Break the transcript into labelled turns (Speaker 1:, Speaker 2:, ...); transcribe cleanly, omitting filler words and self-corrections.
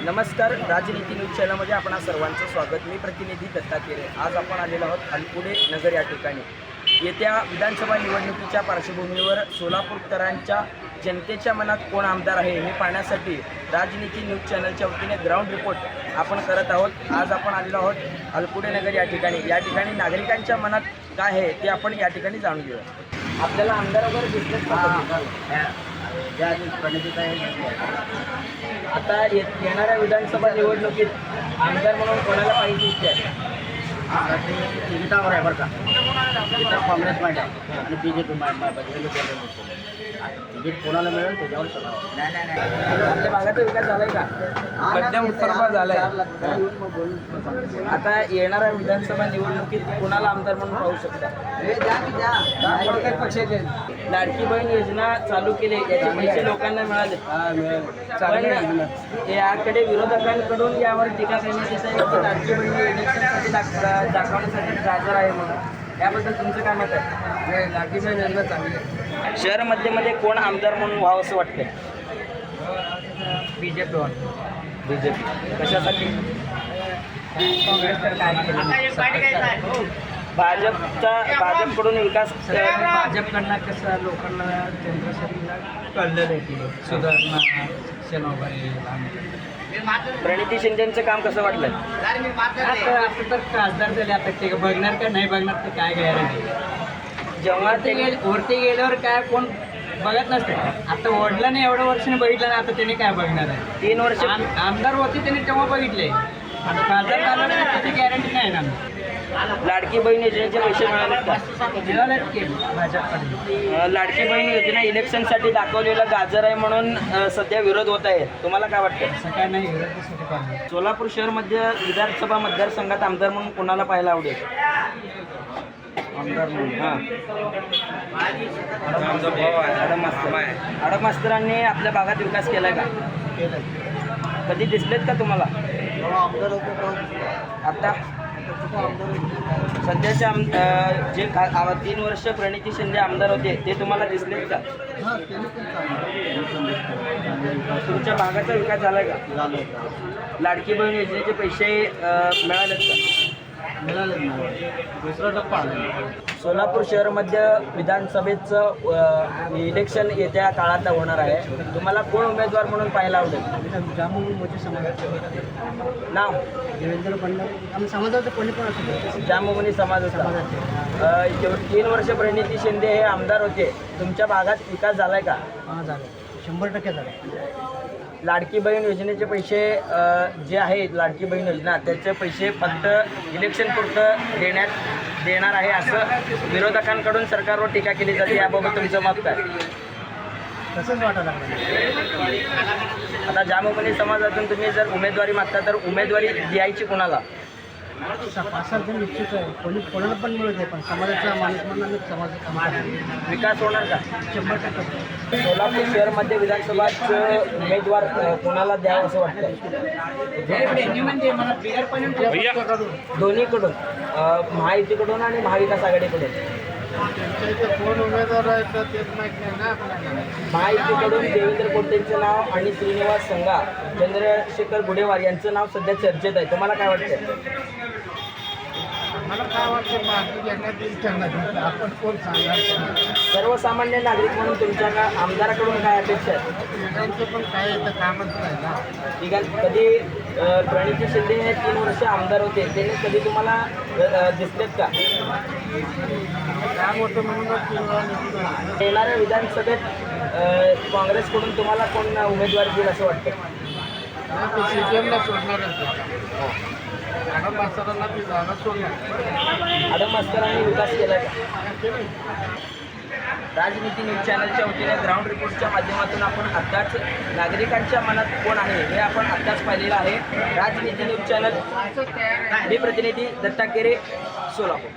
Speaker 1: नमस्कार, राजनीती न्यूज चॅनलमध्ये आपणा सर्वांचं स्वागत. मी प्रतिनिधी दत्ता केरे. आज आपण आलेलो आहोत अलकुडे नगर या ठिकाणी. येत्या विधानसभा निवडणुकीच्या पार्श्वभूमीवर सोलापूरकरांच्या जनतेच्या मनात कोण आमदार आहे हे पाहण्यासाठी राजनीती न्यूज चॅनलच्या वतीने ग्राउंड रिपोर्ट आपण करत आहोत. आज आपण आलेलो आहोत अलकुडे नगर या ठिकाणी. या ठिकाणी नागरिकांच्या मनात काय आहे ते आपण या ठिकाणी जाणून घेऊया. आपल्याला आमदार वगैरे दिसलेच आता येणाऱ्या विधानसभा निवडणुकीत आमदार म्हणून कोणाला पाहिजे इच्छा आहे?
Speaker 2: तिकिटावर आहे बरं का. तिकीट काँग्रेस मांड आहे आणि BJP तिकीट कोणाला मिळेल त्याच्यावर
Speaker 1: आपल्या भागाचा विकास झालाय का? मध्यम उत्तरभाग झालाय. आता येणाऱ्या विधानसभा निवडणुकीत कोणाला आमदार म्हणून पाहू शकता? लाडकी बहीण योजना चालू केली, याचे पैसे लोकांना मिळाले. पण याकडे विरोधकांकडून यावर टीका करण्यात येत आहे की लाडकी बहीण इलेक्शनसाठी दाखवण्यासाठी गाजर आहे म्हणून. याबद्दल तुमचं काय मत आहे? लाडकी बहीण योजना चांगली आहे. शहर मध्ये कोण आमदार म्हणून व्हावं असं वाटतंय? बीजेपी कशासाठी? काँग्रेस तर काय केलं? भाजपकडून विकास
Speaker 2: भाजपकडनं कसं लोकांना जनतेला कळलं नाही की सुधारणा शेणवगैरे.
Speaker 1: प्रणिती शिंदेचं काम कसं वाटलं?
Speaker 2: आता तर खासदार झाले, आता ते बघणार का नाही बघणार ते काय गॅरंटी.
Speaker 1: जेव्हा ते
Speaker 2: वरती गेल्यावर काय कोण बघत नसते. आता ओढलं नाही, एवढ्या वर्षाने बघितलं नाही, आता त्याने काय बघणार आहे.
Speaker 1: 3 वर्ष
Speaker 2: आमदार होते त्याने तेव्हा बघितले, आता खासदार झालं नाही त्याची गॅरंटी नाही ना.
Speaker 1: लाडकी बहीण योजनेचे पैसे मिळाले का?
Speaker 2: मिळालेत की भाजपकडे.
Speaker 1: लाडकी बहीण योजना इलेक्शनसाठी दाखवलेला गाजर आहे म्हणून सध्या विरोध होत आहे. तुम्हाला काय वाटतं?
Speaker 2: असं काय नाही विरोध.
Speaker 1: सोलापूर शहरमध्ये विधानसभा मतदारसंघात आमदार म्हणून कोणाला पाहायला आवडेल?
Speaker 2: आमदार म्हणून
Speaker 1: आडम मास्तरांनी आपल्या भागात विकास केलाय का? कधी दिसलेत का तुम्हाला? आता सध्याच्या जे 3 वर्ष प्रणिती शिंदे आमदार होते ते तुम्हाला दिसलेत का? तुमच्या भागाचा विकास झालाय का? लाडकी बहीण योजनेचे पैसे मिळालेत का?
Speaker 2: दुसरा टप्पा आला.
Speaker 1: सोलापूर शहरमध्ये विधानसभेचं इलेक्शन येत्या काळात होणार आहे. तुम्हाला कोण उमेदवार म्हणून पाहायला आवडेल?
Speaker 2: जामोदी मोठे समाजाचे
Speaker 1: नाव?
Speaker 2: देवेंद्र फडणवीस. आम्ही समाजाचं कोणी पण असतो.
Speaker 1: जामोनी समाजाचा. 3 वर्ष प्रणिती शिंदे हे आमदार होते. तुमच्या भागात विकास झालाय का?
Speaker 2: हां झालं, 100% झालं.
Speaker 1: लाडकी बहीण योजनेचे पैसे जे आहेत, लाडकी बहीण योजना त्याचे पैसे फक्त इलेक्शन पुरतं देणार आहे असं विरोधकांकडून सरकारवर टीका केली जाते. याबाबत तुमचं मत काय?
Speaker 2: तसंच वाटायला लागलं.
Speaker 1: आता जामोनी समाजातून तुम्ही जर उमेदवारी मागता तर उमेदवारी द्यायची कोणाला?
Speaker 2: 5-7 जण इच्छुक आहे. कोणाला पण मिळत आहे, पण समाजाचा माणूस म्हणून समाजाचा
Speaker 1: विकास होणार का?
Speaker 2: 100%.
Speaker 1: सोलापूर शहरमध्ये विधानसभाचं उमेदवार कोणाला द्यावं असं वाटतं? दोन्हीकडून, महायुतीकडून आणि महाविकास आघाडीकडून.
Speaker 2: कोण उमेदवार आहे तर तेच माहीत नाही ना आपल्याला.
Speaker 1: महायुतीकडून देवेंद्र कोटेंचं नाव आणि श्रीनिवास संघा, चंद्रशेखर गुडेवार यांचं नाव सध्या चर्चेत आहे. तुम्हाला काय वाटतं?
Speaker 2: मला काय वाटतं, आपण कोण सांगणार.
Speaker 1: सर्वसामान्य नागरिक म्हणून तुमच्या आमदाराकडून काय अपेक्षा आहे?
Speaker 2: त्यांचं पण काय येतं कामच नाही ना.
Speaker 1: ठीक आहे. कधी प्रणिती शिंदे हे 3 वर्ष आमदार होते, त्यांनी कधी तुम्हाला दिसलेत का?
Speaker 2: काम होतं म्हणून.
Speaker 1: येणाऱ्या विधानसभेत काँग्रेसकडून तुम्हाला कोण उमेदवार देईल असं वाटतं?
Speaker 2: CPMला सोडणार. आडम मास्तरांना ती जागा सोडणार.
Speaker 1: आडम मास्तरांनी विकास केला का? राजनीती न्यूज चॅनलच्या वतीने ग्राउंड रिपोर्टच्या माध्यमातून आपण आत्ताच नागरिकांच्या मनात कोण आहे हे आपण आत्ताच पाहिलेलं आहे. राजनीती न्यूज चॅनल, मी प्रतिनिधी दत्ता केरे, सोलापूर.